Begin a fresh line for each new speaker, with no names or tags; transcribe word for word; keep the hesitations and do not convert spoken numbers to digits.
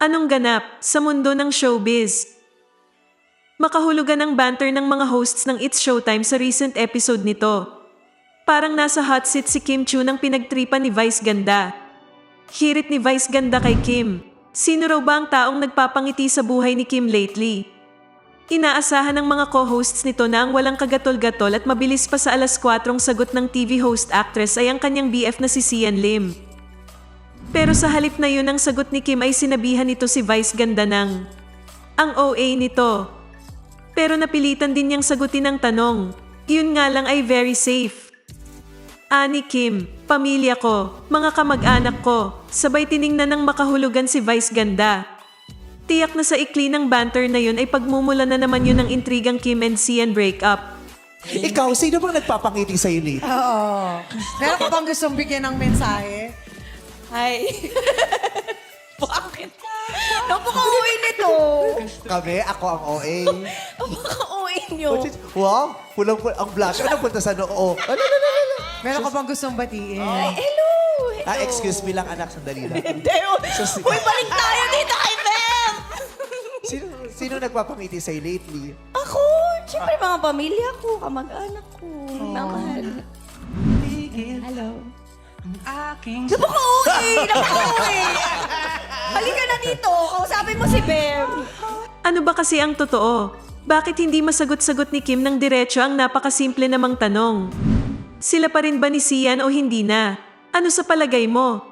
Anong ganap sa mundo ng showbiz? Makahulugan ang banter ng mga hosts ng It's Showtime sa recent episode nito. Parang nasa hot seat si Kim Chu nang pinagtripan ni Vice Ganda. Hirit ni Vice Ganda kay Kim. Sino raw ba ang taong nagpapangiti sa buhay ni Kim lately? Inaasahan ng mga co-hosts nito na ang walang kagatol-gatol at mabilis pa sa alas kwatro sagot ng T V host actress ay ang kanyang B F na si Sian Lim. Pero sa halip na yun ang sagot ni Kim ay sinabihan nito si Vice Ganda ng ang O A nito. Pero napilitan din niyang sagutin ang tanong. Yun nga lang ay very safe. Ani Kim, pamilya ko, mga kamag-anak ko, sabay tiningnan ng makahulugan si Vice Ganda. Tiyak na sa ikli ng banter na yun ay pagmumula na naman yun ng intrigang Kim and Sian breakup.
Ikaw, sino bang nagpapangiti sa'yo, Nate?
Oo. Meron ka bang gustong bigyan ng mensahe?
Ay. Bakit? Napaka-uwi nito.
Kami, ako ang O A.
Napaka-uwi nyo.
Wow, pulang-pulang. Ang blush. Ano punta sa noo? Ano, ano, ano, ano?
Meron ka bang gustong batiin?
Ay, hello. hello.
Ah, excuse me lang, anak. Sandali lang.
Hindi.
So,
Uy, balik tayo dito kay Bem.
Sino, sino nagpapangiti sa'yo lately?
Ako. Siyempre, mga pamilya ko, kamag-anak ko. Namahal. Hello. Napaka-uwi. Napaka-uwi. Halika na dito. Kausapin mo si Bem.
Ano ba kasi ang totoo? Bakit hindi masagot-sagot ni Kim ng diretso ang napakasimple namang tanong? Sila pa rin ba ni Sian o hindi na? Ano sa palagay mo?